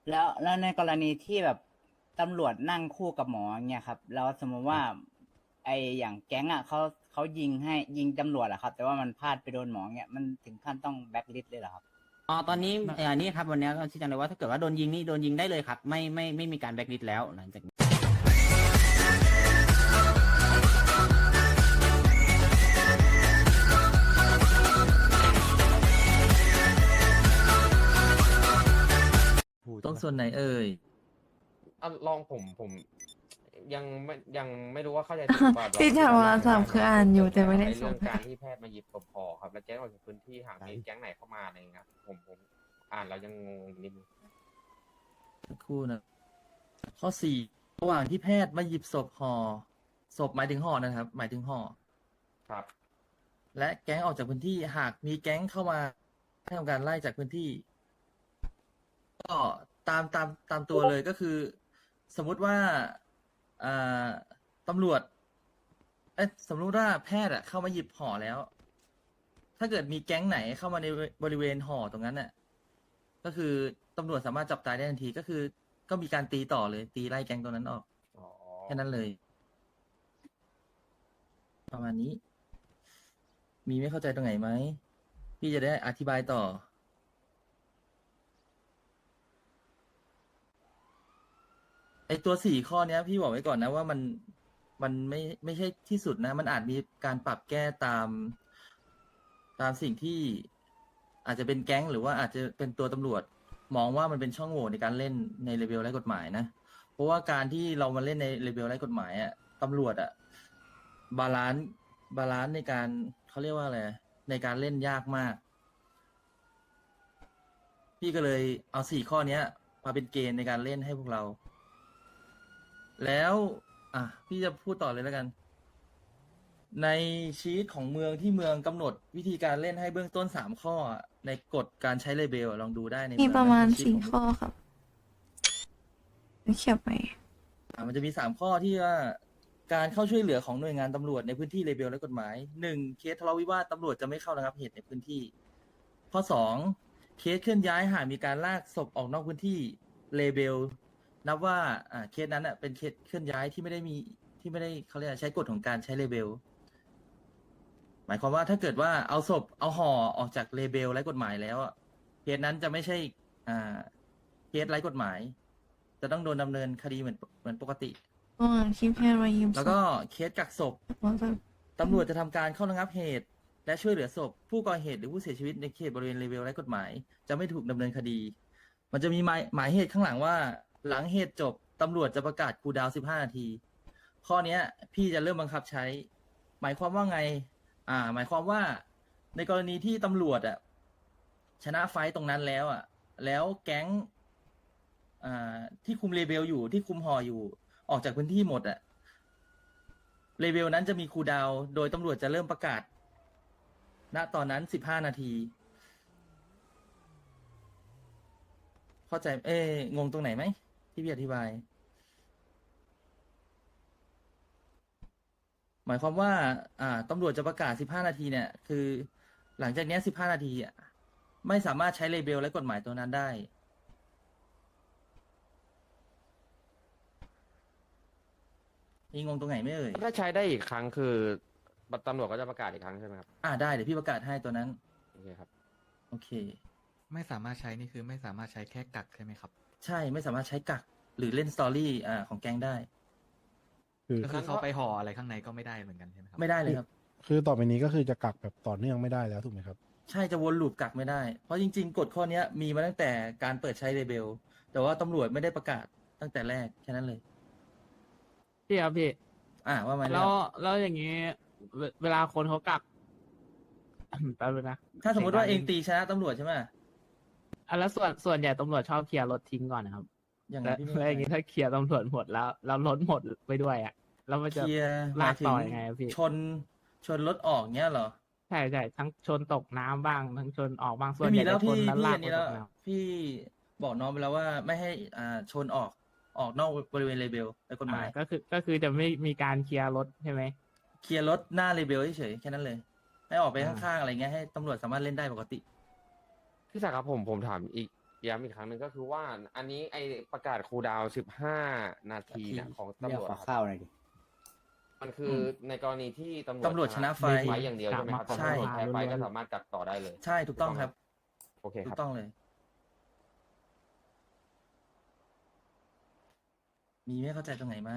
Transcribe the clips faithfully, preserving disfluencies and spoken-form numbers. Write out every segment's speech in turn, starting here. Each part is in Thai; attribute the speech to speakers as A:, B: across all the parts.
A: แล้วแล้วในกรณีที่แบบตำรวจนั่งคู่กับหมออย่างเงี้ยครับแล้วสมมติว่าไออย่างแก๊งอ่ะเขาเขายิงให้ยิงตำรวจอะครับแต่ว่ามันพลาดไปโดนหมอเงี้ยมันถึงขั้นต้องแบ็คลิสต์เลยเหรอครับ
B: อ๋อตอนนี้เอันนี้ครับวันนี้ก็ชี้แจงเลยว่าถ้าเกิดว่าโดนยิงนี่โดนยิงได้เลยครับไม่ไม่ไม่มีการแบล็คลิสต์แล้วหลังจากนี้
C: ตรงส่วนไหนเอ่ย
D: อ่ะลองผมผมยังไม่ยังไม่รู้ว่าเข้าใจถูกป่ะลอง
E: ที่
D: อธิ
E: ถาม
D: บาย
E: ว่า
D: ให้
E: สาม
D: ฟัง
E: คือ
D: หน่ย
E: อ่านอยู่
D: ผม
E: แต่ไม่ได้
D: ใน
E: ส่
D: เรื่
E: ง
D: องการที่แพทย์มาหยิบศพพอครับแล้วแจ้งออกจากพื้นที่หากมีแก๊งไหนเข้ามาอะไรเงี้ยผมผมอ่านแล้วยังงงนิดนึง
C: สักครู่นะ ข้อสี่ระหว่างที่แพทย์มาหยิบศพห่อศพหมายถึงห่อนะครับ หมายถึงห่อ
D: ครับ
C: และแก๊งออกจากพื้นที่หากมีแก๊งเข้ามาให้ทำการไล่จากพื้นที่ ก็ตามตามตามตัวเลยก็คือ สมมุติว่าอ่าตำรวจเอ๊ะสมมติว่าแพทย์อะเข้ามาหยิบห่อแล้ว ถ้าเกิดมีแก๊งไหนเข้ามาในบริเวณห่อตรงนั้นน่ะก็คือตำรวจสามารถจับตายได้ทันทีก็คือ ก็มีการตีต่อเลย ตีไล่แก๊งตรงนั้นออก
D: อ๋อ
C: แค่นั้นเลย ประมาณนี้ มีไม่เข้าใจตรงไหนไหมพี่จะได้อธิบายต่อ ไอตัวสี่ข้อเนี้ย พี่บอกไว้ก่อนนะว่ามันมันไม่ไม่ใช่ที่สุดนะ มันอาจมีการปรับแก้ตาม ตามสิ่งที่อาจจะเป็นแก๊งหรือว่าอาจจะเป็นตัวตำรวจ มองว่ามันเป็นช่องโหว่ในการเล่นในเลเวลไร้กฎหมายนะ เพราะว่าการที่เรามาเล่นในเลเวลไร้กฎหมายอะตำรวจอะบาลานซ์บาลานซ์ในการเขาเรียกว่าอะไรในการเล่นยากมาก พี่ก็เลยเอาสี่ข้อเนี้ย มาเป็นเกณฑ์ในการเล่นให้พวกเรา แล้ว อ่ะ พี่จะพูดต่อเลยแล้วกัน ในชีตของเมืองที่เมืองกำหนดวิธีการเล่นให้เบื้องต้นสามข้ออะในกฎการใช้เลเบลอะลองดูได้ใน
E: มี
C: เอง
E: ประมาณ
C: ในชีต
E: สี่
C: ของ
E: ข้อครับเขียนไป
C: อ่ะมันจะมีสามข้อที่ว่า การเข้าช่วยเหลือของหน่วยงานตำรวจในพื้นที่เลเบลและกฎหมายหนึ่งเคสทะเลาะวิวาทตำรวจจะไม่เข้าระงับเหตุในพื้นที่ ข้อสองเคสเคลื่อนย้ายหากมีการลากศพออกนอกพื้นที่เลเบลนับว่าอ่าเคสนั้นอ่ะเป็นเคสเคลื่อนย้ายที่ไม่ได้มีที่ไม่ได้เขาเรียกอะไรใช้กฎของการใช้เลเบลหมายความว่าถ้าเกิดว่าเอาศพเอาห่อออกจากเลเบลไร้กฎหมายแล้วอะเคสนั้นจะไม่ใช่อ่าเคสไร้กฎหมาย จะต้องโดนดำเนินคดีเหมือนเหมือนปกติ
E: ระหว่างที่แพทย์มายืม
C: แล้วก็เคสกักศพ
E: ว่าแบบ
C: ตำรวจจะทำการเข้าระงับเหตุ และช่วยเหลือศพผู้ก่อเหตุหรือผู้เสียชีวิตในเขตบริเวณเลเวลไร้กฎหมาย จะไม่ถูกดำเนินคดี มันจะมีหมายหมายเหตุข้างหลังว่า หลังเหตุจบตำรวจจะประกาศคูลดาวน์สิบห้านาที ข้อเนี้ย พี่จะเริ่มบังคับใช้ หมายความว่าไง อ่า หมายความว่าในกรณีที่ตำรวจอ่ะชนะไฟต์ตรงนั้นแล้วอ่ะ แล้วแก๊งอ่าที่คุมเลเบลอยู่ที่คุมหออยู่ออกจากพื้นที่หมดอ่ะ เลเวลนั้นจะมีคูลดาวน์โดยตำรวจจะเริ่มประกาศ ณ ตอนนั้นสิบห้านาที เข้าใจ เอ้งงตรงไหนไหมที่พี่อธิบาย หมายความว่า อ่าตำรวจจะประกาศสิบห้านาทีเนี่ย คือ หลังจากเนี้สิบห้านาทีอ่ะไม่สามารถใช้เลเบลและกฎหมายตัวนั้นได้ มีงงตรงไหนไม่เอ่ย
D: ถ้าใช้ได้อีกครั้งคือตำรวจก็จะประกาศอีกครั้งใช่ไหมครับ
C: อ่าได้เดี๋ยวพี่ประกาศให้ตัวนั้น
D: โอเคครับ
C: โอเค
F: ไม่สามารถใช้นี่คือไม่สามารถใช้แค่กักใช่ไหมครับ
C: ใช่ไม่สามารถใช้กักหรือเล่นสตอรี่อ่าของแก๊งได้
G: คือ
F: ก็คือเขาไปห่ออะไรข้างในก็ไม่ได้เหมือนกันใช่ไหมครับ
C: ไม่ได้เลยครับ
G: คือต่อไปนี้ก็คือจะกักแบบต่อเนื่องไม่ได้แล้วถูกไหมครับ
C: ใช่จะวนลูปกักไม่ได้ เพราะจริงๆกฎข้อเนี้ยมีมาตั้งแต่การเปิดใช้เลเบล แต่ว่าตำรวจไม่ได้ประกาศตั้งแต่แรกแค่นั้นเลย
H: พี่ครับพี่
C: อ่าว่ามา
H: แล้ว
C: ว
H: แล้วอย่างนี้เวเวลาคนเขากัก แป๊บนึงนะ
C: ถ้าสมมติว่าเอง
H: สีย
C: ตีชนะตำรวจใช่ไหม
H: อ่ะแล้วส่วนส่วนใหญ่ตำรวจชอบเคลียร์รถทิ้งก่อนนะครับ
C: อย่าง
H: แล้ว
C: นั้นพี่ไม่
H: แล้วอย่างนี้ถ้าเคลียร์ตำรวจหมดแล้วแล้วรถหมดไปด้วยอ่ะแล้วมัน
C: เค
H: จะ
C: ลียร์ห
H: ลาม
C: าก ยถึ
H: ต่อยังไงอะพี่
C: ชนชนรถออกเงี้ยเหรอ
H: ใช่ใช่ทั้งชนตกน้ำบ้างทั้งชนออกบ้างส่ว
C: ไม่
H: นให
C: มี
H: ญ่
C: แล้
H: จะ
C: ว
H: ช
C: พี่
H: นแล้ว
C: พี่
H: ลา
C: อั
H: ก
C: น
H: ไป
C: นี้
H: ต
C: แล้ว
H: กน้
C: พี่บอกน้องไปแล้วว่าไม่ให้อ่าชนออกออกนอกบริเวณเลเบลในกฎ
H: ำ
C: ห
H: อ่า
C: มาย
H: ก็คือก็คือจะไม่มีการเคลียร์รถใช่ไหม
C: เคลียร์รถหน้าเลเบลเฉยๆแค่นั้นเลย ให้ออกไป
H: อ่า
C: ข้างๆอะไรเงี้ยให้ตำรวจสามารถเล่นได้ปกติ
D: พี่ศักดิ์ครับผมผมถามอีกย้ำอีกครั้งหนึ่งก็คือว่า อันนี้ไอประกาศคูลดาวน์สิบห้านาทีเนี่ยของ
A: เรียก
D: ตำรวจ
A: ขอ
D: ครับ
A: ข้าวหน่อยดิ
D: มันคือในกรณีที่ตำรวจ
C: ตำรวจชนะไฟ
D: ไฟอย่างเดียวใช่ไหมครับ
C: ใช่
D: ตำรวจแพ้ไฟก็สามารถกักต่อได้เลย
C: ใช่ถูกต้องครับ
D: โอเค
C: ถู
D: ครับ
C: กต้องเลย มีไม่เข้าใจตรงไหนไหม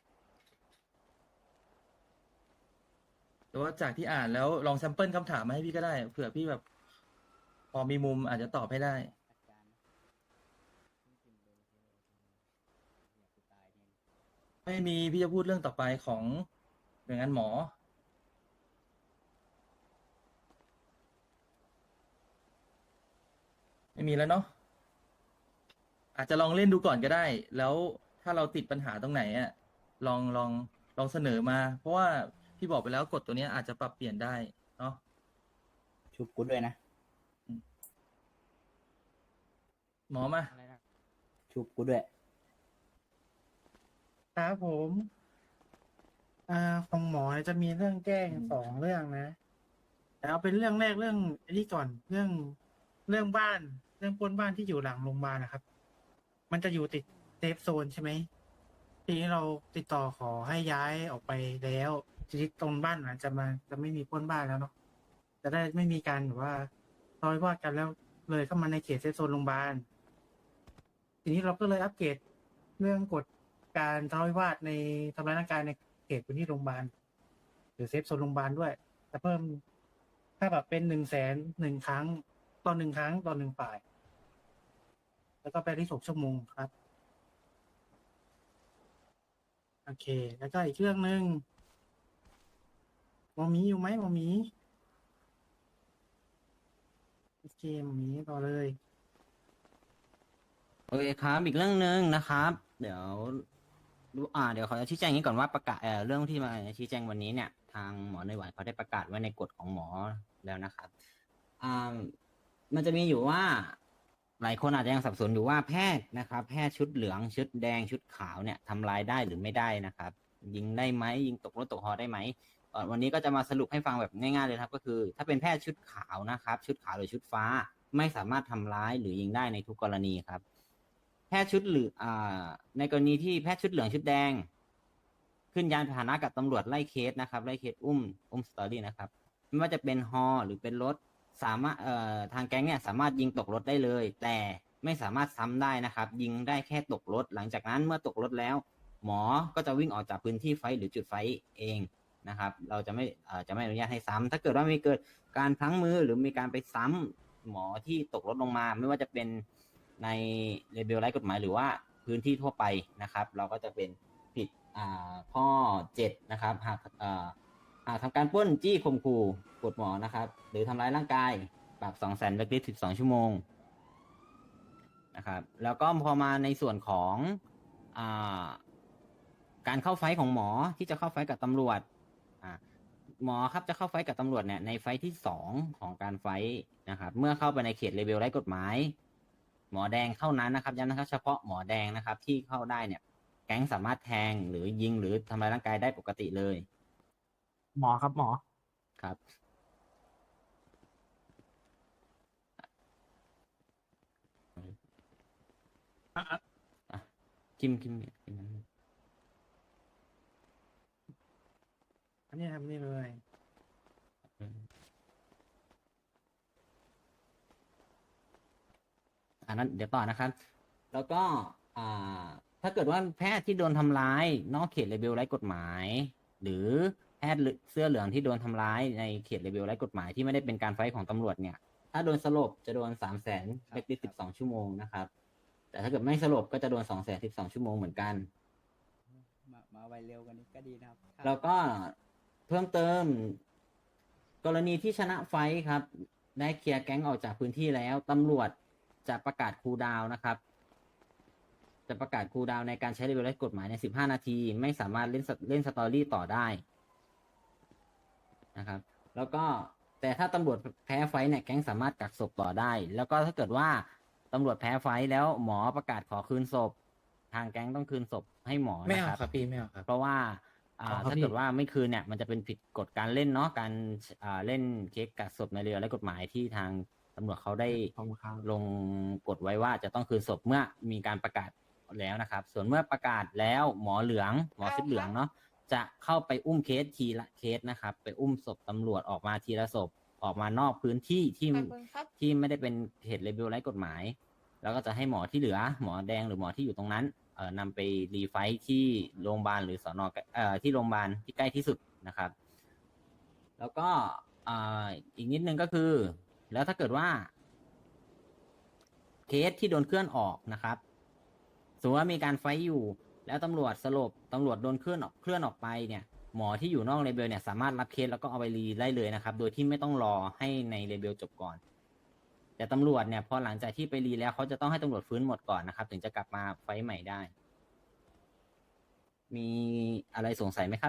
C: หรือว่าจากที่อ่านแล้วลองแซมเปิลคำถามมาให้พี่ก็ได้ เผื่อพี่แบบ พอมีมุมอาจจะตอบให้ได้ ไม่มีพี่จะพูดเรื่องต่อไปของหน่วยงานหมอ ไม่มีแล้วเนาะอาจจะลองเล่นดูก่อนก็ได้ แล้วถ้าเราติดปัญหาตรงไหนอะลองลองลองเสนอมา เพราะว่าพี่บอกไปแล้วกฎตัวเนี้ยอาจจะปรับเปลี่ยนได้เนาะ
A: ชุบกูด้วยนะ
C: หมอมา
A: ชุบกูด้วย
I: ครับผม อ่าของหมอเนี่ยจะมีเรื่องแจ้งสองเรื่องนะแต่เอาเป็นเรื่องแรกเรื่องอันนี้ก่อนเรื่องเรื่องบ้าน เรื่องปล้นบ้านที่อยู่หลังโรงพยาบาลนะครับ มันจะอยู่ติดเซฟโซนใช่ไหมทีนี้เราติดต่อขอให้ย้ายออกไปแล้วทีนี้ตรงบ้านนั้นจะมาจะไม่มีปล้นบ้านแล้วเนาะจะได้ไม่มีการแบบว่าทะเลาะวิวาทกันแล้วเลยเข้ามาในเขตเซฟโซนโรงพยาบาลทีนี้เราก็เลยอัปเกรดเรื่องกฎการทะเลาะวิวาทในทำร้ายร่างกายในเขตพื้นที่โรงพยาบาลหรือเซฟโซนโรงพยาบาลด้วยจะเพิ่มค่าปรับเป็นหนึ่งแสนหนึ่งครั้งต่อหนึ่งครั้งต่อหนึ่งฝ่าย แล้วก็ไปที่หกชั่วโมงครับโอเค แล้วก็อีกเรื่องหนึ่งหมอหมีอยู่ไหมหมอหมีโอเคหมอหมีต่อเลย
B: โอเคครับอีกเรื่องหนึ่งนะครับ เดี๋ยวดูอ่าเดี๋ยวขอชี้แจงอย่างนี้ก่อนว่าประกาศเอ่อเรื่องที่มาชี้แจงวันนี้เนี่ย ทางหมอในหวานเขาได้ประกาศไว้ในกฎของหมอแล้วนะครับอ่ามันจะมีอยู่ว่า หลายคนอาจจะยังสับสนอยู่ว่าแพทย์นะครับ แพทย์ชุดเหลืองชุดแดงชุดขาวเนี่ยทำลายได้หรือไม่ได้นะครับ ยิงได้ไหมยิงตกรถตกฮอได้ไหมเอ่อวันนี้ก็จะมาสรุปให้ฟังแบบง่ายๆเลยครับ ก็คือ ถ้าเป็นแพทย์ชุดขาวนะครับ ชุดขาวหรือชุดฟ้า ไม่สามารถทำร้ายหรือยิงได้ในทุกกรณีครับ แพทย์ชุดเหลืองอ่าในกรณีที่แพทย์ชุดเหลืองชุดแดง ขึ้นยานพาหนะกับตำรวจไล่เคสนะครับไล่เคสอุ้มอุ้มสตอรี่นะครับไม่ว่าจะเป็นฮอหรือเป็นรถสามารถเอ่อทางแก๊งเนี่ยสามารถยิงตกรถได้เลย แต่ไม่สามารถซ้ำได้นะครับ ยิงได้แค่ตกรถหลังจากนั้นเมื่อตกรถแล้ว หมอก็จะวิ่งออกจากพื้นที่ไฟท์หรือจุดไฟท์เองนะครับ เราจะไม่เอ่อจะไม่อนุญาตให้ซ้ำถ้าเกิดว่ามีเกิดการพลั้งมือหรือมีการไปซ้ำหมอที่ตกรถลงมา ไม่ว่าจะเป็นในเลเบลไร้กฎหมายหรือว่าพื้นที่ทั่วไปนะครับ เราก็จะเป็นผิดอ่าข้อเจ็ดนะครับหากอ่าหากทำการปล้นจี้ข่มขู่กดหมอนะครับ หรือทำร้ายร่างกายปรับสองแสนแบล็คลิสต์สิบสองชั่วโมงนะครับ แล้วก็พอมาในส่วนของอ่าการเข้าไฟท์ของหมอที่จะเข้าไฟท์กับตำรวจอ่าหมอครับจะเข้าไฟท์กับตำรวจเนี่ยในไฟท์ที่สองของการไฟท์นะครับ เมื่อเข้าไปในเขตเลเวลไร้กฎหมาย หมอแดงเท่านั้นนะครับย้ำนะครับเฉพาะหมอแดงนะครับ ที่เข้าได้เนี่ย แก๊งสามารถแทงหรือยิงหรือทำลายร่างกายได้ปกติเลย
H: หมอครับหมอ
B: ครับ
I: อ่ะอ่ะ
B: อ่ะคิมคิมคิมนั้น
I: อันนี้ทำนี่เลย
B: อันนั้นเดี๋ยวต่อนะครับ แล้วก็อ่าถ้าเกิดว่าแพทย์ที่โดนทำร้ายนอกเขตเลเบลไร้กฎหมาย หรือแพทย์เสื้อเหลืองที่โดนทำร้ายในเขตเลเบลไร้กฎหมายที่ไม่ได้เป็นการไฟท์ของตำรวจเนี่ย ถ้าโดนสลบจะโดนสามแสนแบล็คลิสต์สิบสองชั่วโมงนะครับ แต่ถ้าเกิดไม่สลบก็จะโดนสองแสนสิบสองชั่วโมงเหมือนกัน
A: มามาไวเร็วกันนี้ก็ดีนะครับ
B: แล้วก็เพิ่มเติม กรณีที่ชนะไฟท์ครับ ได้เคลียร์แก๊งออกจากพื้นที่แล้วตำรวจจะประกาศคูลดาวน์นะครับ จะประกาศคูลดาวน์ในการใช้เลเวลกฎหมายในสิบห้านาที ไม่สามารถเล่นสเล่นสตอรี่ต่อได้นะครับ แล้วก็แต่ถ้าตำรวจแพ้ไฟท์เนี่ยแก๊งสามารถกักศพต่อได้ แล้วก็ถ้าเกิดว่าตำรวจแพ้ไฟท์แล้วหมอประกาศขอคืนศพ ทางแก๊งต้องคืนศพให้หมอ
F: ไม่
B: นะ
F: เอา
B: ครับ
F: ครับพี่ไม่เอาครับ
B: เพราะว่าอ่า
H: อ๋อครับ
B: ถ้า
H: พี่
B: เกิดว่าไม่คืนเนี่ยมันจะเป็นผิดกฎการเล่นเนาะการอ่าเล่นเค้กกักศพในเรือและกฎหมายที่ทางตำรวจเขาได้
H: ขอบคุณครับ
B: ลงกฎไว้ว่าจะต้องคืนศพเมื่อมีการประกาศแล้วนะครับ ส่วนเมื่อประกาศแล้วหมอเหลืองหมอชุดเหลืองเนาะจะเข้าไปอุ้มเคสทีละเคสนะครับ ไปอุ้มศพตำรวจออกมาทีละศพออกมานอกพื้นที่ที่ที่ไม่ได้เป็นเหตุเลเบลไร้กฎหมาย แล้วก็จะให้หมอที่เหลือหมอแดงหรือหมอที่อยู่ตรงนั้นเอ่อนำไปรีไฟท์ที่โรงพยาบาลหรือสอนอเอ่อที่โรงพยาบาลที่ใกล้ที่สุดนะครับ แล้วก็อ่าอีกนิดนึงก็คือ แล้วถ้าเกิดว่า เคสที่โดนเคลื่อนออกนะครับสมมติว่ามีการไฟท์อยู่ แล้วตำรวจสลบตำรวจโดนเคลื่อนออกเคลื่อนออกไปเนี่ย หมอที่อยู่นอกเลเบลเนี่ยสามารถรับเคสแล้วก็เอาไปรีได้เลยนะครับ โดยที่ไม่ต้องรอให้ในเลเบลจบก่อน แต่ตำรวจเนี่ยพอหลังจากที่ไปรีแล้วเขาจะต้องให้ตำรวจฟื้นหมดก่อนนะครับ ถึงจะกลับมาไฟท์ใหม่ได้ มีอะไรสงสัยไหมครับ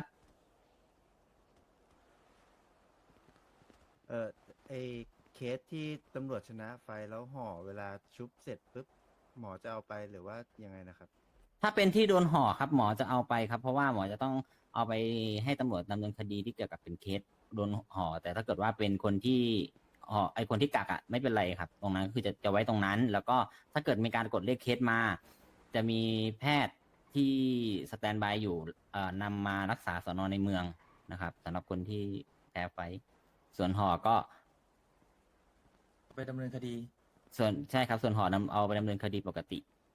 J: เออไอเคสที่ตำรวจชนะไฟแล้วห่อเวลาชุบเสร็จปุ๊บหมอจะเอาไปหรือว่ายังไงนะครับ
B: ถ้าเป็นที่โดนห่อครับหมอจะเอาไปครับ เพราะว่าหมอจะต้องเอาไปให้ตำรวจดำเนินคดีที่เกี่ยวกับเป็นเคสโดนห่อแต่ถ้าเกิดว่าเป็นคนที่ห่อไอคนที่กักอ่ะไม่เป็นไรครับ ตรงนั้นคือจะจะไว้ตรงนั้น แล้วก็ถ้าเกิดมีการกดเรียกเคสมา จะมีแพทย์ที่สแตนบายอยู่เอ่อนำมารักษาสนในเมืองนะครับสำหรับคนที่แพ้ไฟส่วนห่อก็
C: ไปดำเนินคดี
B: ส่วนใช่ครับส่วนห่อนำเอาไปดำเนินคดีปกติ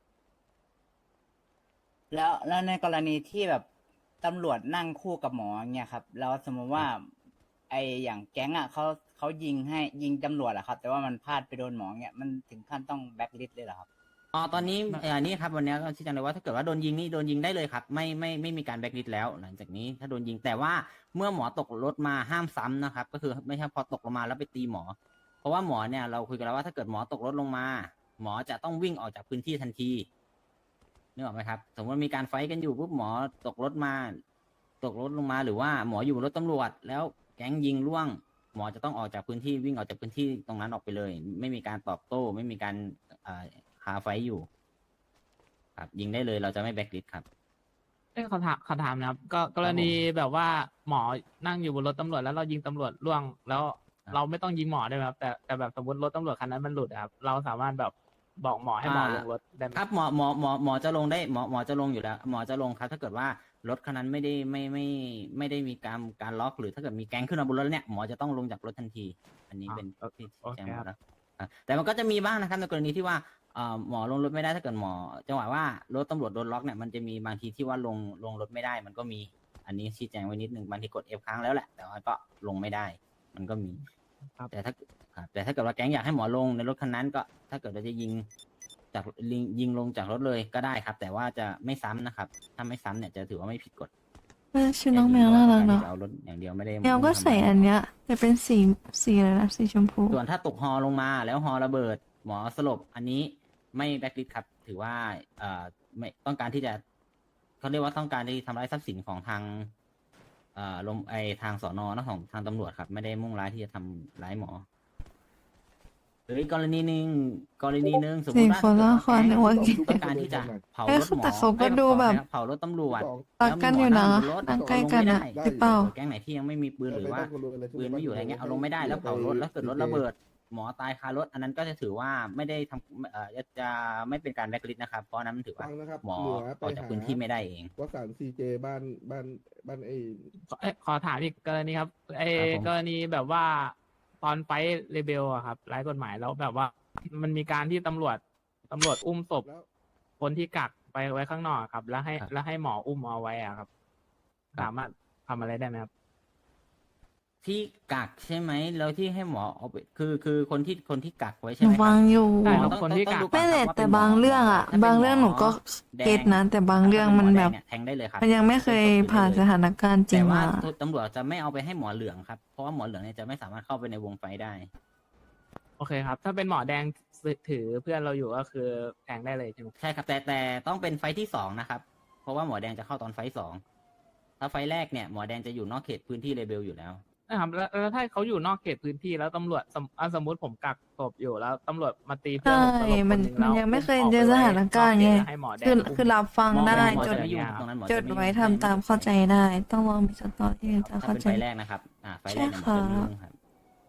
A: แล้วแล้วในกรณีที่แบบตำรวจนั่งคู่กับหมออย่างเงี้ยครับแล้วสมมติว่า ไออย่างแก๊งอ่ะเขาเขายิงให้ยิงตำรวจอะครับ แต่ว่ามันพลาดไปโดนหมอเงี้ยมันถึงขั้นต้องแบ็คลิสต์เลยเหรอครับ
B: อ๋อตอนนี้เอ่อนี่ครับวันนี้ก็ชี้แจงเลยว่าถ้าเกิดว่าโดนยิงนี่โดนยิงได้เลยครับ ไม่ไม่ไม่มีการแบ็กลิสต์แล้ว หลังจากนี้ถ้าโดนยิงแต่ว่าเมื่อหมอตกรถมาห้ามซ้ำนะครับ ก็คือไม่ใช่พอตกลงมาแล้วไปตีหมอ เพราะว่าหมอเนี่ยเราคุยกันแล้วว่าถ้าเกิดหมอตกรถลงมา หมอจะต้องวิ่งออกจากพื้นที่ทันทีนึกออกไหมครับ สมมติว่ามีการไฟท์กันอยู่ปุ๊บหมอตกรถมา ตกรถลงมาหรือว่าหมออยู่บนรถตำรวจ แล้วแก๊งยิงล่วง หมอจะต้องออกจากพื้นที่วิ่งออกจากพื้นที่ตรงนั้นออกไปเลย ไม่มีการตอบโต้ ไม่มีการเอ่อหาไฟท์อยู่ ครับยิงได้เลยเราจะไม่แบ็กลิสต์ครับ
H: เอ้ยขอถามขอถามนะครับ ก็กรณีแบบว่าหมอนั่งอยู่บนรถตำรวจแล้วเรายิงตำรวจล่วง แล้ว
B: ครับ
H: เราไม่ต้องยิงหมอได้ไหมครับ แต่แต่แบบสมมติรถตำรวจคันนั้นมันหลุดอะครับ เราสามารถแบบบอกหมอให้หมอลงรถได้ไหม
B: ครับหมอหมอหมอหมอจะลงได้หมอหมอจะลงอยู่แล้ว หมอจะลงครับ ถ้าเกิดว่ารถคันนั้นไม่ได้ไม่ไม่ไม่ได้มีการการล็อก หรือถ้าเกิดมีแก๊งขึ้นมาบนรถเนี่ยหมอจะต้องลงจากรถทันที อันนี้เป็น
H: อ่า
B: ที่
H: โอเค
B: แจ้ง
H: ครับ
B: มาแล้วอ่ะแต่มันก็จะมีบ้างนะครับในกรณีที่ว่าเอ่อหมอลงรถไม่ได้ถ้าเกิดหมอจังหวะว่ารถตำรวจโดนล็อกเนี่ยมันจะมีบางทีที่ว่าลงลงรถไม่ได้ มันก็มีอันนี้ชี้แจงไว้นิดนึงบางทีกด F ค้างแล้วแหละแต่ว่าก็ลงไม่ได้ มันก็มี
H: ครับ
B: แต่ถ้าครับแต่ถ้าเกิดว่าแก๊งอยากให้หมอลงในรถคันนั้นก็ ถ้าเกิดเราจะยิงจากยิงยิงลงจากรถเลยก็ได้ครับ แต่ว่าจะไม่ซ้ำนะครับ ถ้าไม่ซ้ำเนี่ยจะถือว่าไม่ผิดกฎ
E: เออชื่อน้องแมวน่ารักเนาะ
B: จะเอารถอย่างเดียวไม่ได้
E: แมวก็ใส่อันเนี้ยแต่เป็นสีสีอะไรนะสีชมพู
B: ส่วนถ้าตกฮอลงมาแล้วฮอระเบิด หมอสลบอันนี้ไม่แบ็คลิสต์ครับ ถือว่าเอ่อไม่ต้องการที่จะเขาเรียกว่าต้องการที่ทำร้ายทรัพย์สินของทางเอ่อลมไอทางสอนอนะของทางตำรวจครับ ไม่ได้มุ่งร้ายที่จะทำร้ายหมอหรืออีกกรณีหนึ่งกรณีหนึ่งสมม
E: สี่
B: ติว่า
E: คนละ
B: ถ้า
E: คน
B: เกิด
E: หัว
B: ว่า
E: กิน
B: ต้องการที่จะเผาร
E: เอ้ย
B: ถหมอ
E: แต่เขาก็
B: อ้ย
E: ดูแบบ
B: เผารถตำรวจ
E: รักกันอยู่นะ
B: แล้วมีหม
E: นั่งใกล้กันอะ
B: เาลงไม่ได้
E: หรือเปล่า
B: แก๊งไหนที่ยังไม่มีปืนหรือว่าปืนไม่อยู่อะไรเงี้ยเอาลงไม่ได้แล้วเผารถแล้วเกิดรถระเบิด หมอตายคารถ อันนั้นก็จะถือว่าไม่ได้ทำเอ่อจะจะไม่เป็นการแบล็คลิสต์นะครับ เพราะอันนั้นมันถือว่า
K: ฟังนะครับ
B: หมอ
K: เหลือ
B: อ
K: ไป
B: อกจาก
K: หา
B: พื้นที่ไม่ได้เอง
K: วัคซีนซีเจบ้านบ้านบ้านไอ้
H: ขอเอ้ยขอถามอีกกรณีครับไอ้
B: ครับผม
H: กรณีแบบว่าตอนไฟท์เรเบลอะครับไร้กฎหมายแล้วแบบว่า มันมีการที่ตำรวจตำรวจอุ้มศพ
K: แล้ว
H: คนที่กักไปไว้ข้างนอกครับ แล้วให้แล้วให้หมออุ้มเอาไว้อะครับ สามารถทำอะไรได้ไหมครับ
B: ที่กักใช่ไหมแล้วที่ให้หมอเอาไปคือคือคนที่คนที่กักไว้
E: ห
B: ใช่ไห
E: นู
B: มค
E: ฟั
B: รับ
E: งอยู่
H: ใช่
B: หม
H: ค
B: อ
H: รับ
B: ต้อง
H: คนที่
B: ต้อง
H: กัก
B: ดูก่อน
E: ไม่
B: ค
E: แต่
B: รับว่า
E: แต่
B: เป็นหม
E: บางเรื่องอะ
B: ถ้ป็น
E: บางเรื่องหนูก็
B: แดง
E: เก็ตนะแต่บางเรื่องมันแบบ
B: เนี่ยแทงได้เลยครับ
E: มันยังไม่เคยผ่านสถานการณ์จริ
B: แต่
E: ง
B: ว่า
E: มา
B: ตำรวจจะไม่เอาไปให้หมอเหลืองครับ เพราะว่าหมอเหลืองเนี่ยจะไม่สามารถเข้าไปในวงไฟได้
H: โอเคครับ ถ้าเป็นหมอแดงถือเพื่อนเราอยู่ก็คือแทงได้เลยใช่ไหม
B: ใช่ครับ แต่แต่ต้องเป็นไฟท์ที่สองนะครับ เพราะว่าหมอแดงจะเข้าตอนไฟท์สองถ้าไฟท์แรกเนี่ยหมอแดงจะอยู่นอกเขตพื้นที่เลเบลอยู่แล้ว
H: นะครับแล้วแล้วถ้าเขาอยู่นอกเขตพื้นที่แล้วตำรวจสมอ่ะสมมติผมกักศพอยู่แล้วตำรวจมาตีเพื่อน
E: ใช่
H: ผมสลบ
E: มัน
H: คหง
E: มัน
H: แล้ว
E: ยังไม่เคย
H: ผ
E: เจอสถานการณ์ไง
H: ให้หมอแดง
E: คือ
H: อุ้ม
E: คือรับฟัง
B: หมอ
E: ได้
B: หมอ
E: จด
B: จะไม่ยุ่งตรงนั้นหมอ
E: จ
B: จะ
E: ด
B: ไม่ยุ่ง
E: ไว้ทำตามเข้าใจได้ ต้องลองมีสตอรี่จะ
B: ถ้า
E: เข้า
B: เป็น
E: ใจ
B: ไฟล์แรกนะครับ อ่า ไฟล์แรกเนี่ยหมอจะไม่ยุ่งครับ
E: แต่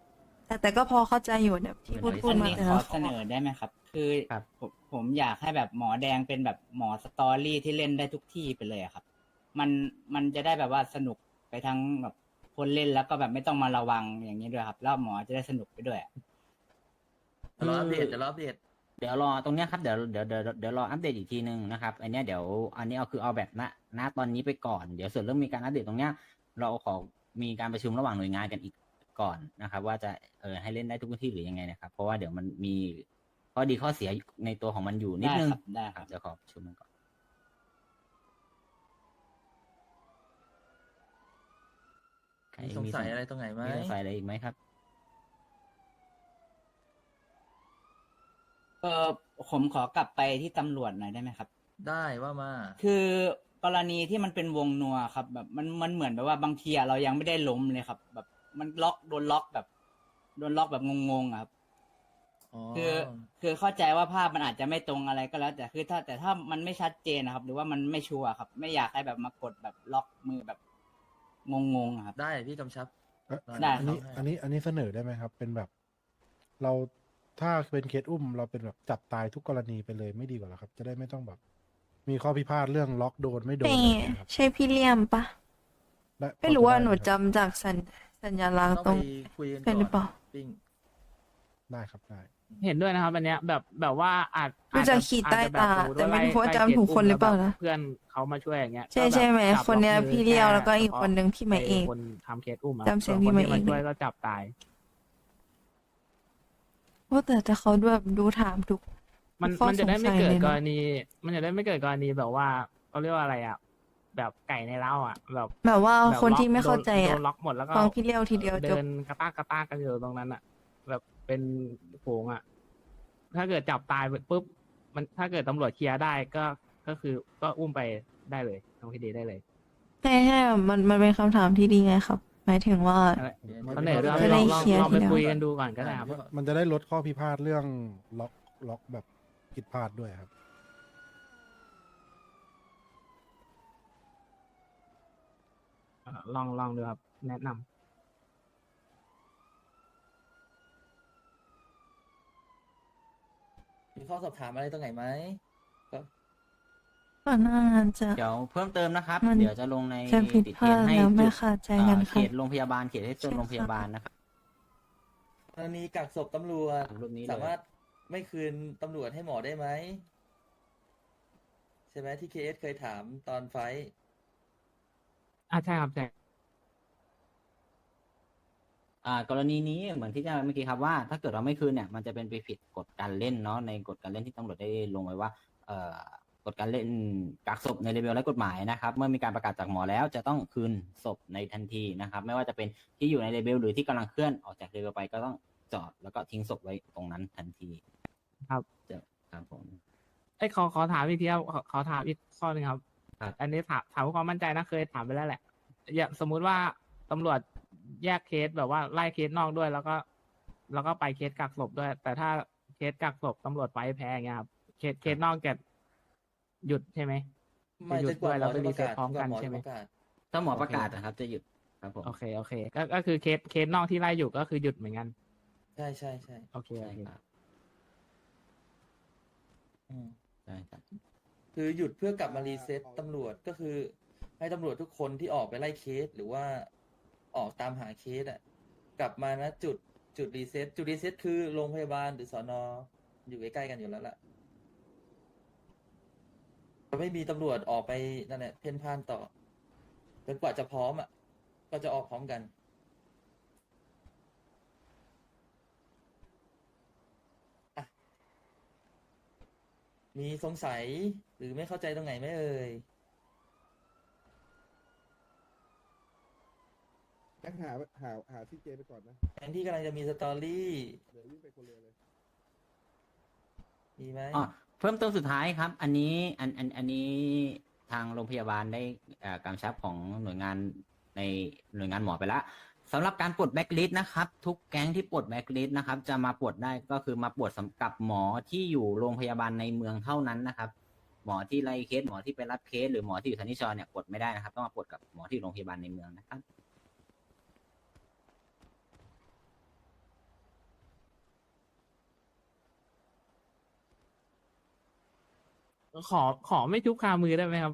E: แต่แต่ก็พอเข้าใจอยู่เนี่ยที่พูดพูด
A: อัน
E: มา
A: นี้
E: แต่
A: ขอ
E: ละ
A: เสนอได้ไหมครับ คือ
B: ครับ
A: ผมผมอยากให้แบบหมอแดงเป็นแบบหมอสตอรี่ที่เล่นได้ทุกที่ไปเลยอะครับ มันมันจะได้แบบว่าสนุกไปทั้งแบบคนเล่นแล้วก็แบบไม่ต้องมาระวังอย่างนี้ด้วยครับ แล้วหมอจะได้สนุกไปด้วยอะ
C: เดี๋ยวรออัปเดตเดี๋ยวรออัปเดต
B: เดี๋ยวรอตรงเนี้ยครับเดี๋ยวเดี๋ยวเดี๋ยวเดี๋ยวรออัปเดตอีกทีนึงนะครับอันเนี้ยเดี๋ยวอันนี้เอาคือเอาแบบณณตอนนี้ไปก่อนเดี๋ยวส่วนเรื่องมีการอัปเดตตรงเนี้ยเราขอมีการประชุมระหว่างหน่วยงานกันอีกก่อนนะครับ ว่าจะเออให้เล่นได้ทุกที่หรือยังไงนะครับ เพราะว่าเดี๋ยวมันมีข้อดีข้อเสียในตัวของมันอยู่นิด
A: ได้
B: นึง
A: ครับได้ครับ
B: เดี๋ยวขอประชุมกันก่อนใคร
C: มีสงสัยอะไรตรงไหนไหม
B: มีสงสัยอะไรอีกไหมครับ
A: เออผมขอกลับไปที่ตำรวจหน่อยได้ไหมครับ
C: ได้ว่ามา
A: คือกรณีที่มันเป็นวงนัวครับ แบบมันมันเหมือนแบบว่าบางทีอะเรายังไม่ได้ล้มเลยครับ แบบมันล็อกโดนล็อกแบบโดนล็อกแบบงงๆอะครับ
C: อ๋อ
A: คือคือเข้าใจว่าภาพมันอาจจะไม่ตรงอะไรก็แล้ว แต่คือถ้าแต่ถ้ามันไม่ชัดเจนนะครับ หรือว่ามันไม่ชัวร์ครับ ไม่อยากให้แบบมากดแบบล็อกมือแบบงงๆอะครับ
C: ได้พี่กำชับ
G: เอ๊ะ
A: ได้
G: อันนี้
C: ครับ
G: อันนี้อันนี้เสนอได้ไหมครับ เป็นแบบ เราถ้าเป็นเคสอุ้ม เราเป็นแบบจับตายทุกกรณีไปเลยไม่ดีกว่าเหรอครับ จะได้ไม่ต้องแบบ มีข้อพิพาทเรื่องล็อกโดนไม่โดน
E: ใช่
G: อะไรอย่างเงี้ยครับ
E: ใช่พี่เลี่ยมปะ
G: ได้
E: ไม่รู้ว่า
G: พอจะ
E: หนู
G: ได้ไมครับ
E: จำจากสัญสัญลักษณ์
C: ต้อง
E: ตรง
C: ไปคุยกัน
E: ใช่หรือเป
C: ก่อ
E: ล่า
C: นปิ้ง
G: ได้ครับได้
H: เห็นด้วยนะครับอันเนี้ยแบบแบบว่าอาจ
E: ดูจากขีดใต้ตาแต่ไม่รู้ว่าจำถูกคนหรือเปล่านะ
H: เพื่อนเขามาช่วยอย่างเงี้ย
E: ใช่
H: ก็แบบ
E: ใช่ไหม
H: จับ
E: คนเนี้ย
H: ล็อกมือ
E: พี่เลี้ยว
H: ค่
E: แล้วก็อีกคนนึงพี่ไม้เอก
H: คนทำเคสอุ้มอะ
E: จำเสียง
H: ส่วน
E: พี่
H: คน
E: ไม้
H: ที่
E: เอก
H: มาช่วยก็จับตาย
E: ว่าแต่แต่เขาแบบดูถามทุก
H: มัน
E: ข้อ
H: มันจะได้ไม่
E: สงสัย
H: เกิด
E: เลยนะ
H: กรณี มันจะได้ไม่เกิดกรณีแบบว่าเขาเรียกว่าอะไรอ่ะ แบบไก่ในเล้าอ่ะ แบบ
E: แบบว่า
H: แบบ
E: คน
H: ล็อก
E: ที่ไม่เข้าใจ
H: โด
E: อ่ะ
H: นล็อกหมดแล้วก็
E: ฟังพี่เลี้ยวทีเดียวจ
H: เดิ
E: บ
H: นกระตากกระตากกันอยู่ตรงนั้นอ่ะ แบบเป็นโผงอ่ะ ถ้าเกิดจับตายปุ๊บมันถ้าเกิดตำรวจเคลียร์ได้ก็ก็คือก็อุ้มไปได้เลยทางคดีได้เลย
E: ใช่ใช่มันมันเป็นคำถามที่ดีไงครับ หมายถึงว่า
H: เสนอเรื่อง
E: จะ
H: ล
E: ได้
H: องลอง
E: เคลียร์
H: ลองไป
E: ทีเดียว
H: คุยกันดูก่อนก็ได้ครับ
G: มันจะได้ลดข้อพิพาทเรื่องล็อกล็อกแบบผิดพลาดด้วยครับ
H: เอ่อลองลองดูครับ แนะนำ
C: มีข้อสอบถามอะไรตรงไหนไหมก็
E: ก่อนหน้านั้นจะ
B: เดี๋ยวเพิ่มเติมนะครับ
E: มัน
B: เดี๋ยวจะลงใน
E: จะผิด
B: ติด
E: พ
B: เท
E: ลาร ด
B: นให้
E: แล้วไม่
B: จุด
E: ขาดใจกัน
B: เอ่อ
E: ค
B: เข
E: รับ
B: ตโรงพยาบาลเขตให้โซน
E: ใช่
B: โรงพยาบาลนะครับ
C: กรณีกักศพตำรวจ
B: ตามรูปนี้เลย
C: สามารถไม่คืนตำรวจให้หมอได้ไหมใช่ไหมที่เคเอสเคยถามตอนไฟท์
H: อ่าใช่ครับใช่
B: อ่ากรณีนี้เหมือนที่จะเมื่อกี้ครับว่าถ้าเกิดเราไม่คืนเนี่ยมันจะเป็นไปผิดกฎการเล่นเนาะในกฎการเล่นที่ตำรวจได้ลงไว้ว่าเอ่อกฎการเล่นกักศพในเลเวลและกฎหมายนะครับเมื่อมีการประกาศจากหมอแล้วจะต้องคืนศพในทันทีนะครับไม่ว่าจะเป็นที่อยู่ในเลเวลหรือที่กำลังเคลื่อนออกจากเลเวลไปก็ต้องจอดแล้วก็ทิ้งศพไว้ตรงนั้นทันที
H: ครับ
B: จะครับผม
H: เอ้ยขอขอถามอีกทีครับขอขอถามอีกข้อหนึ่งครับ
B: ครับ
H: อันนี้ถามถามเพื่อความมั่นใจนะเคยถามไปแล้วแหละ อย่างสมมุติว่าตำรวจแยกเคสแบบว่าไล่เคสนอกด้วย แล้วก็ แล้วก็ไปเคสกักศพด้วย แต่ถ้าเคสกักศพตำรวจไปแพ้อย่างเงี้ยครับเคสเคสนอกจะหยุดใช่ไหม
C: ไม่
H: จะหยุ
C: จ
H: ด
C: นกว่า
H: ด้วย
C: หม
H: แล้ว
C: อ
H: ไป
C: จะ
H: รี
C: ประ
H: เซ็ต
C: กาศ
H: พร้อม
C: จนก
H: กั
C: ว่าน หมอ
H: ใช่
C: จะ
H: ไหม
C: ประกาศ
B: ถ้าหมอประกาศนะครับจะหยุดครับผม
H: โอเคโอเคก็ก็คือเคสเคสนอกที่ไล่อยู่ก็คือหยุดเหมือนกัน
C: ใช่ใช่ใช่
H: โอเค
B: ใช่
H: โอเค
B: ครับ
C: อืม
B: ใช่ครับ
C: คือหยุดเพื่อกลับมารีเซ็ตตำรวจก็คือให้ตำรวจทุกคนที่ออกไปไล่เคส หรือว่าออกตามหาเคสอ่ะกลับมานะจุดจุดรีเซ็ตจุดรีเซ็ตคือโรงพยาบาลหรือสอนออยู่ใกล้ๆกันอยู่แล้วล่ะจะไม่มีตำรวจออกไปนั่นแหละเพ่นพ่านต่อจนกว่าจะพร้อมอ่ะก็จะออกพร้อมกันอ่ะมีสงสัยหรือไม่เข้าใจตรงไหนไหมเอ่ย
K: แก๊งหาหาหาซีเจไปก่อนนะ
C: แทนที่กำลังจะมีสตอรี่
K: เดี๋ยววิ่งไปคนเรือเลย
C: มีไหม
B: อ๋อเพิ่มเติมสุดท้ายครับ อันนี้อันอันอันนี้ทางโรงพยาบาลได้เอ่อกำชับของหน่วยงานในหน่วยงานหมอไปแล้วสำหรับการปลดแบ็กลิสต์นะครับ ทุกแก๊งที่ปลดแบ็กลิสต์นะครับ จะมาปลดได้ก็คือมาปลดสำหรับหมอที่อยู่โรงพยาบาลในเมืองเท่านั้นนะครับ หมอที่ไล่เคสหมอที่ไปรับเคสหรือหมอที่อยู่ทันิชรเนี่ยปลดไม่ได้นะครับต้องมาปลดกับหมอที่โรงพยาบาลในเมืองนะครับ
H: ขอขอไม่ชุบคามือได้ไหมครับ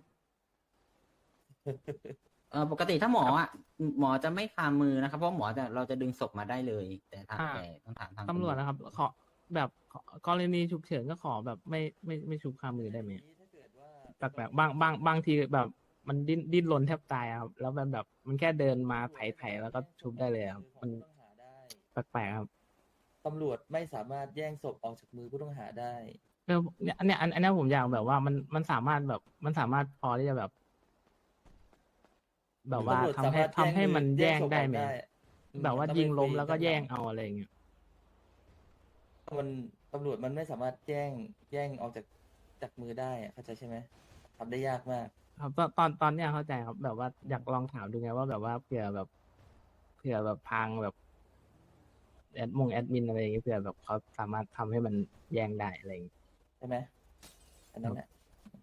B: เออปกติถ้าหมออ่ะหมอจะไม่คามือนะครับเพราะหมอจะเราจะดึงศพมาได้เลย แต่ถ้า
H: อ่า
B: แต่ต้องถามทาง
H: ตำรวจนะครับ ขอแบบขอกรณีฉุกเฉินก็ขอแบบไม่ไม่ไม่ชุบคามือได้ไหม
C: ถ้าเกิดว่า
H: แปลกๆบางบางบางทีแบบมันดิ้นดิ้นรนแทบตายอะครับ แล้วมันแบบมันแค่เดินมาไถไถแล้วก็ชุบได้เลยครับ มัน
C: ผู้ต้องหาได้
H: แปลกๆครับ
C: ตำรวจไม่สามารถแย่งศพออกจากมือผู้ต้องหาได้
H: เออเนี่ยอันเนี้ยอันอันเนี้ยผมอยากแบบว่ามันมันสามารถแบบมันสามารถพอที่จะแบบ แบบว่า
C: ตำรวจ
H: ทำให้
C: สามารถ
H: ทำให้มันแย่ง
C: ศพ
H: ได้
C: ออก
H: ไหม
C: อืม
H: แบบว่า
C: ต้อง
H: ยิง
C: ไป
H: ล้ม
C: คุย
H: แล้วก็
C: กัน
H: แย่ง
C: หลัง
H: เอาอะไรอย่างเงี้ย
C: มันตำรวจมันไม่สามารถแย่งแย่งออกจากจากมือได้อะเข้าใจใช่ไหมทำได้ยากมาก
H: ครับตอนตอนตอนเนี้ยเข้าใจครับ แบบว่าอยากลองถามดูไงว่าแบบว่าเผื่อแบบเผื่อแบบพังแบบแอดมงแอดมินอะไรอย่างเงี้ยเผื่อแบบเขาสามารถทำให้มันแย่งได้อะไรอย่างเงี้ย
C: ใช่ไหมอันนั้นแหละ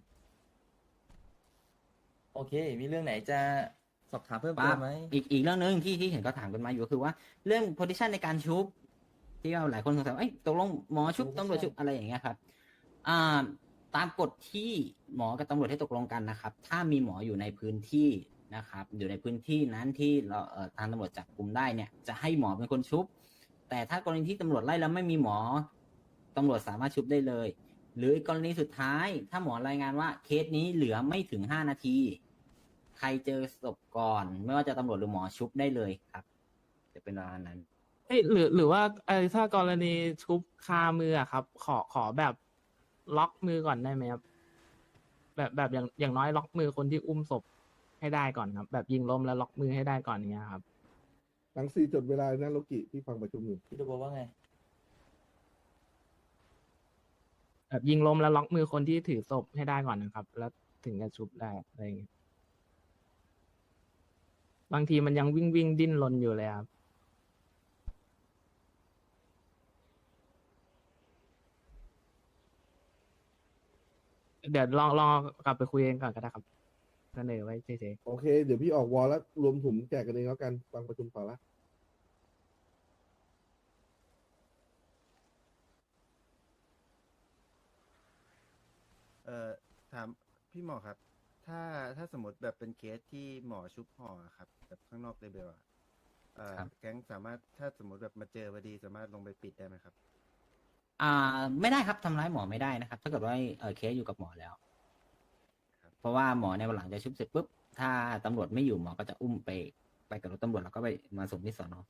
C: โอเค มีเรื่องไหนจะสอบถามเพิ่มเติ
B: ปั๊
C: ม
B: บ
C: ไหม
B: อีกอีกเรื่องหนึ่งที่ที่เห็นก็ถามกันมาอยู่ก็คือว่าเรื่อง position ในการชุบ ที่ว่าหลายคนสงสัยว่าเอ้ยตกลงหมอชุบ
C: position
B: ตำรวจชุบอะไรอย่างเงี้ยครับอ่าตามกฎที่หมอกับตำรวจให้ตกลงกันนะครับ ถ้ามีหมออยู่ในพื้นที่นะครับ อยู่ในพื้นที่นั้นที่เราเอ่อทางตำรวจจับกลุ่มได้เนี่ยจะให้หมอเป็นคนชุบ แต่ถ้ากรณีที่ตำรวจไล่แล้วไม่มีหมอตำรวจสามารถชุบได้เลย หรืออีกกรณีสุดท้าย ถ้าหมอรายงานว่าเคสนี้เหลือไม่ถึงห้านาที ใครเจอศพก่อน ไม่ว่าจะตำรวจหรือหมอชุบได้เลยครับ จะเป็นประมาณนั้น
H: เอ้ยหรือหรือว่าไอ้ถ้ากรณีชุบคามืออะครับ ขอขอแบบล็อกมือก่อนได้ไหมครับ แบบแบบอย่างอย่างน้อยล็อกมือคนที่อุ้มศพให้ได้ก่อนครับ แบบยิงล้มแล้วล็อกมือให้ได้ก่อนอย่างเงี้ยครับ
K: หลังสี่จดเวลานะโลกิที่ฟังประชุมอยู่
C: พี่ตัวบอกว่าไง
H: แบบยิงล้มแล้วล็อกมือคนที่ถือศพให้ได้ก่อนนะครับ แล้วถึงจะชุบได้อะไรอย่างเงี้ยบางทีมันยังวิ่งวิ่งดิ้นรนอยู่เลยครับ เดี๋ยวลองลองกลับไปคุยกันก่อนก็ได้ครับเสนอไว้เฉย
K: โอเค เดี๋ยวพี่ออกวอลแล้วรวมถุงแจกกันเองแล้วกัน ฟังประชุมต่อละ
J: เอ่อถามพี่หมอครับ ถ้าถ้าสมมติแบบเป็นเคสที่หมอชุบห่ออะครับแบบข้างนอกเลเบลอะเอ่อ
B: ครับ
J: แก๊งสามารถถ้าสมมติแบบมาเจอพอดีสามารถลงไปปิดได้ไหมครับ
B: อ่าไม่ได้ครับทำร้ายหมอไม่ได้นะครับ ถ้าเกิดว่าเออเคสอยู่กับหมอแล้ว
J: ครับ
B: เพราะว่าหมอในวันหลังจะชุบเสร็จปุ๊บถ้าตำรวจไม่อยู่หมอก็จะอุ้มไปไปกับรถตำรวจแล้วก็ไปมาส่งที่สอนอ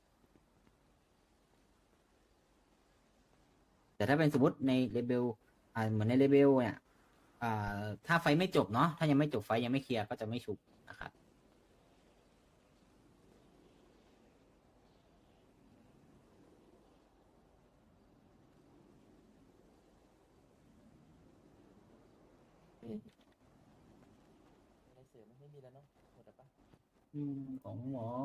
B: แต่ถ้าเป็นสมมติในเลเบลอ่าเหมือนในเลเบลเนี่ยอ่าถ้าไฟไม่จบเนาะถ้ายังไม่จบไฟยังไม่เคลียร์ก็จะไม่ชุบนะครับ
C: อะไรเสริมไม่มีแล้วเนาะหมดแล้วปะ
B: อืมของหมอ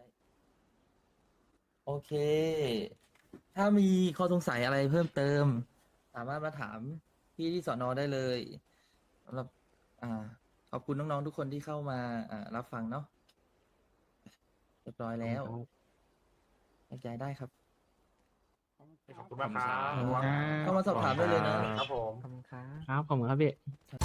C: โอเค ถ้ามีข้อสงสัยอะไรเพิ่มเติม สามารถมาถามพี่ที่สอนอได้เลยสำหรับอ่า ขอบคุณน้องๆทุกคนที่เข้ามาอ่ารับฟังเนาะเรียบร้อย
H: ๆ
C: แล้ว
H: ครับ
C: แยกย้ายได้ครับ
D: ขอบคุณมากครับ
C: เข้ามาสอบถามได้เลยนะ
D: ครับผม
H: ครับขอบคุณครับพี่